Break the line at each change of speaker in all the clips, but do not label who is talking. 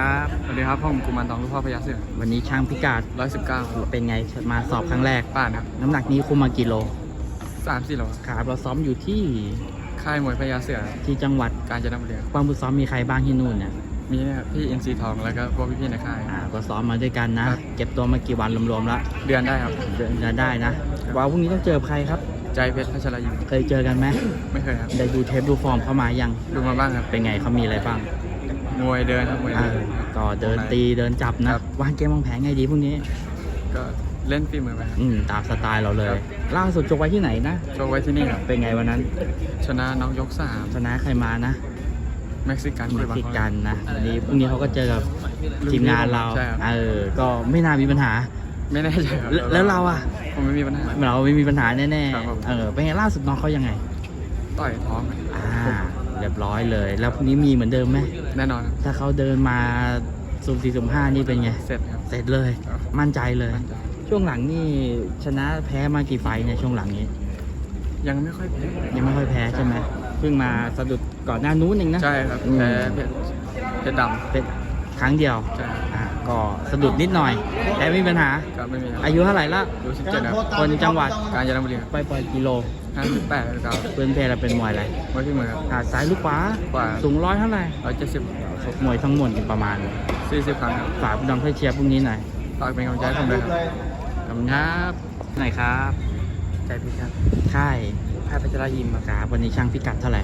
ครับ
สวัสดีครับผมกุมารทองลูกพ่อพญาเสือ
วันนี้ช่างพิกัด
119
เป็นไงมาสอบครั้งแรก
ป้านครับ
น้ำหนักนี้คุมมากี่โล
3-4 โล
ครับเราซ้อมอยู่ที่
ค่ายมวยพญาเสือ
ที่จังหวัด
กาญจนบุรี
ความฝึกซ้อมมีใครบ้างที่นู่นเนี่ย
มีเนี่ยพี่อินซีทองแล้วก็พวกพี่ๆในค่าย
ก็ซ้อมมาด้วยกันนะ
ครับ
เก็บตัวมากี่วันรวมๆแล้ว
เดือนได้ครับ
เดือนได้นะว่าพรุ่งนี้ต้องเจอใครครับ
ใจเพชรพัชรยิม
เคยเจอกันไหม
ไม่เคยครับ
ได้ดูเทปดูฟอร์มเข้ามายัง
ดูมาบ้างครับ
เป็นไงเขามีอะไรบ้าง
มวยเดินครับมวย
อ่า
เดิน
ก็เดินตีเดินจับนะครับ วางเกมวางแผนไงดีพรุ่งนี้
ก็เล่นฝีมือไปครับ
ตามสไตล์เราเลย
ครับ
ล่าสุดจบไว้ที่ไหนนะ
โชว์ไว้ที่นี่ครับ
เป็นไงวันนั้น
ชนะน้องยก
ชนะใครมานะ
3 เม็กซิกัน
เม็
คุย
ก
บาง
ซิ
คน
กันนะวันนี้พรุ่งนี้เขาก็เจอกับทีมงานเรา
ใช่ครับ
ก็ไม่น่ามีปัญหา
ไม่แน่ใจครับ
แล้วเราอ่ะ
ผมไม่มีปัญหา
เราไม่มีปัญหาแน่
ครับผม
ๆเป็นไงล่าสุดน้องเขายังไง
ต่อยท้อง
เรียบร้อยเลย แล้วพรุ่งนี้มีเหมือนเดิมไหม
แน่นอนครับ
ถ้าเขาเดินมาสุ่ม4สุ่ม5นี่เป็นไง
เสร็จครับ
เสร็จเลย
ครับ
มั่นใจเลย
มั่นใจ
ช่วงหลังนี่ชนะแพ้มากี่ไฟต์เนี่ยช่วงหลังนี้
ยังไม่ค่อยแพ้
ยังไม่ค่อยแพ้ใช่ไหมเพิ่งมาสะดุดก่อนหน้านู้นเองนะ
ใช่ครับ
อืม
แพ้เพชรด
เป็นครั้งเดียว
ำใช่ครับ
ก็สะดุดนิดหน่อย แต่ไม่มีปัญหา
ก็ไม่มีครับ
อายุเท่าไหร่ละ
ดู17ครับ
คนจังหวัด
กาญจนบุรีครับ
ไปปล่อยกิโล
58ครับ
เพื่อนเพลเราเป็นมวยอะไร
ไว้ที่มือครับ
ซ้ายลูกขวา
ขวา
สูงร้อยเท่าไหร่
170
ชกมวยทั้งหมดประมาณ
40 ครั้งครับ
ฝากพี่น้องเพื่อเชียร์พรุ่งนี้หน่อย
ฝากเป็นกำลังใจให้ผมด้วยครับ
ขอบคุณครับไหนครับ
ใจพิครับ
ค่าย
แพทย์พัชรยิมครับ
ครับวันนี้ช่างพิกัดเท่าไหร่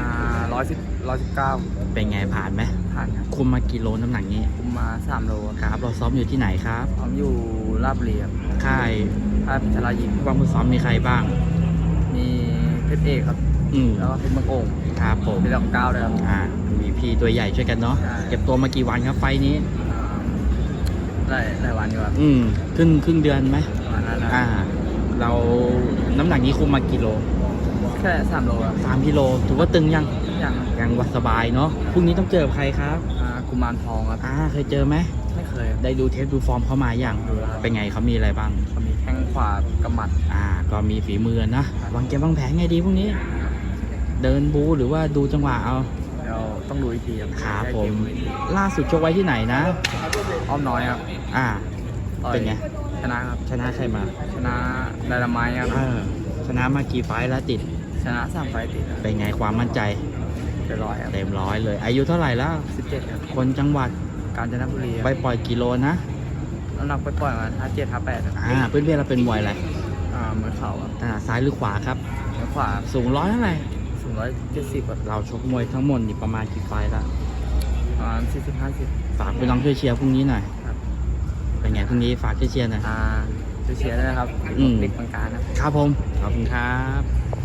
119
เป็นไงผ่านไหม
ผ่านครับ
คุมมากี่โลน้ำหนักนี้
ผมมา3 โล
ครับเราซ้อมอยู่ที่ไหนครับ
ผมอยู่ราชบุรีครับ
ค่าย
แพทย์พัชรยิม
ความฝึกซ้อมมีใครบ้าง
มีเพชรเอกครับ แล้วก็เพชรมะโกง
ครับผม
เป็นลำ9ด้วยครับ
มีพี่ตัวใหญ่ช่วยกันเนาะ
ใช่
เก็บตัวมากี่วันครับไฟล์นี้
ได้วันอยู่ครับ
ครึ่งเดือนไหม
ประมาณนั้นนะ
เราน้ำหนักนี้คุมมากี่โล
แค่3 โลครับ
3กิโลถือว่าตึงยัง
อย่างครับ
ยังวัดสบายเนาะพรุ่งนี้ต้องเจอกับใครครับ
กุมารทองครับ
เคยเจอไหม
ไม่เคยครับ
ได้ดูเทปดูฟอร์มเขามาอย่าง
ดูแล้วครับ
เป็นไงเขามีอะไรบ้าง
เขามีแข้งขวากำหมัด
ก็มีฝีมือนะวางเกมวางแผนไงดีพรุ่งนี้ เดินบูหรือว่าดูจังหวะเอา
เดี๋ยวต้องดูอีกทีครับ
ครับผม
แก้เก
ล่าสุดชกไว้ที่ไหนนะ
อ้อมน้อยครับ ต่อย
เป็นไง
ชนะครับ
ชนะใครมา
ชนะไดนาไม้ครับ
ชนะมากี่ไฟล์แล้วติด
ชนะ3 ไฟล์ติดครับ
เป็นไงความมั่นใจ
เป็น100ครับ
เต็มร้อยเลย อายุเท่าไหร่แล้ว
17ครับ
คนจังหวัด
กาญจนบุรี
ไปปล่อยกิโลนะ
น้ำหนักไปปล่อยมา57 58ครับ
เพื่อนๆเราเป็นมวยอะไร
มือเข่าครับ
ซ้ายหรือขวาครับ
แล้วขวา
สูงร้อยเท่าไหร่
สูง170ครับ
เราชกมวยทั้งหมดนี่ประมาณกี่ไฟล์แล้ว
ประมาณ40 50
ฝากไปลองช่วยเชียร์พรุ่งนี้หน่อย
ครับ
เป็นไงพรุ่งนี้ฝากช่วยเชียร์หน่อย
ช่วยเชียร์ด้วยนะครับ
อืม
เด็กบางการนะครับ
ครับผม ขอบคุณครับ